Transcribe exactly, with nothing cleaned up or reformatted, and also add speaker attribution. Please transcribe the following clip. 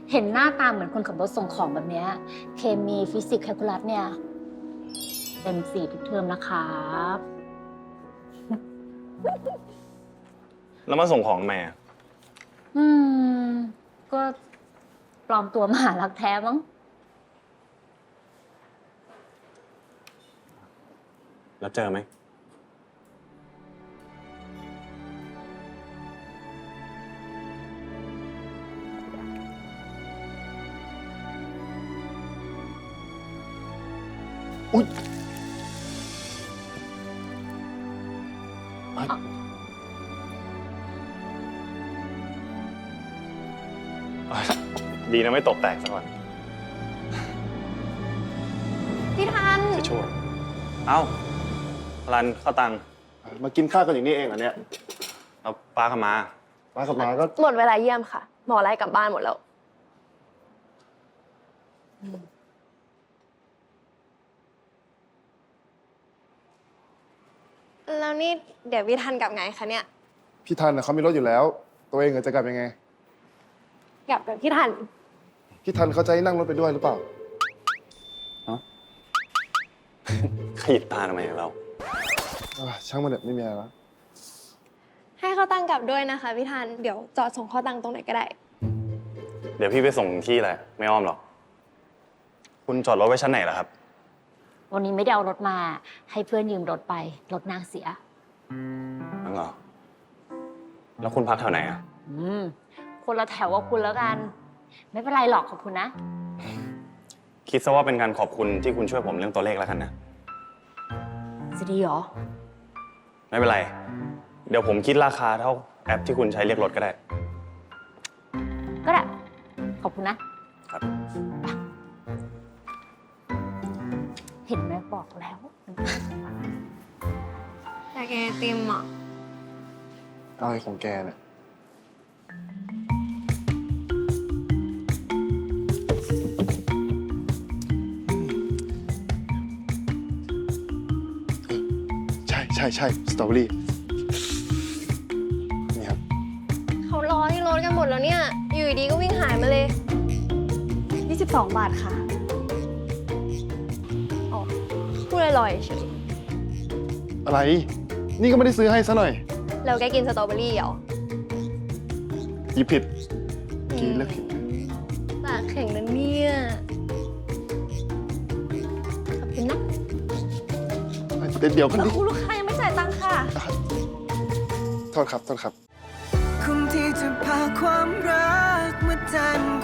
Speaker 1: เห็นหน้าตาเหมือนคนขับรถส่งของแบบเนี้ยเคมีฟิสิกส์แคลคูลัสเนี่ยเต็มสี่ทุกเทอมนะครับ
Speaker 2: แล้วมาส่งของทำไมอ่ะ
Speaker 1: อืม ก็ปลอมตัวมหารักแท้มั้ง
Speaker 2: แล้วเจอไหมอุ๊ยอ่ะอ่ะดีนะไม่ตกแตกซะก่อน
Speaker 1: พี่ทัน
Speaker 2: จะช่วยเอ้ารันเข้าตังค์
Speaker 3: มากินข้าวกันอย่างนี้เองเหรอเนี่ย
Speaker 2: เอาปลาเข้ามา
Speaker 3: มากับหมาก็
Speaker 4: หมดเวลาเยี่ยมค่ะ หมอไล่กลับบ้านหมดแล้ว แล้วนี่เดี๋ยวพี่ทันกลับไงคะเนี่ย
Speaker 3: พี่ทันนะเขามีรถอยู่แล้ว ตัวเองจะกลับยังไง
Speaker 4: กลับกับพี่ทัน
Speaker 3: พี่ทันเขาจะให้นั่งรถไปด้วยหรือเปล่า
Speaker 2: ขยิบตาทำไมเรา
Speaker 3: อ่ะช่างมันเถอะไม่มีอะไรแล้ว
Speaker 4: ให้เขาตั้งกลับด้วยนะคะพี่ทัน เดี๋ยวจอดส่งข้อตังตรงไหนก็ได้
Speaker 2: เดี๋ยวพี่ไปส่งที่แหละ ไม่อ้อมหรอก คุณจอดรถไว้ชั้นไหนล่ะครับ
Speaker 1: วันนี้ไม่ได้เอารถมา ให้เพื่อนยืมรถไป รถนางเสีย
Speaker 2: นั่นเหรอ แล้วคุณพักแถวไหนอ่ะ
Speaker 1: อืม คนละแถวกับคุณแล้วกัน ไม่เป็นไรหรอกขอบคุณนะ
Speaker 2: คิดซะว่าเป็นการขอบคุณที่คุณช่วยผมเรื่องตัวเลขแล้วกันนะ
Speaker 1: จะดีเหรอ
Speaker 2: ไม่เป็นไร เดี๋ยวผมคิดราคาเท่าแอปที่คุณใช้เรียกรถก็ได้
Speaker 1: ก็ได้ ขอบคุณนะ
Speaker 2: ครับ
Speaker 1: เห็นไหมบอกแล้ว
Speaker 4: อยากกินไอติมอ่ะ
Speaker 3: เอาไอ้ของแกเนี่ยใช่ใช่ใช่สตรอเบอรี่นี่ครับ
Speaker 4: เขารอที่รถกันหมดแล้วเนี่ย อยู่ดีๆก็วิ่งหายมาเลย ยี่สิบสอง บาทค่ะอ๋อพูดลอยๆเฉย
Speaker 3: อะไร นี่ก็ไม่ได้ซื้อให้ซะหน่อย
Speaker 4: แล้วแกกินสตรอเบอรี่เหรอ
Speaker 3: หยิบผิดกินแล้วผิด
Speaker 4: ปากแข็งนะเนี่ยขอบคุณนะ
Speaker 3: เดี๋ยวเดี๋ยวกันดิ
Speaker 4: คุณลูกค้ายังไม่จ่ายตังค่ะ
Speaker 3: โทษครับ โทษครับ
Speaker 5: คุ้มที่จะพาความรักมาแทน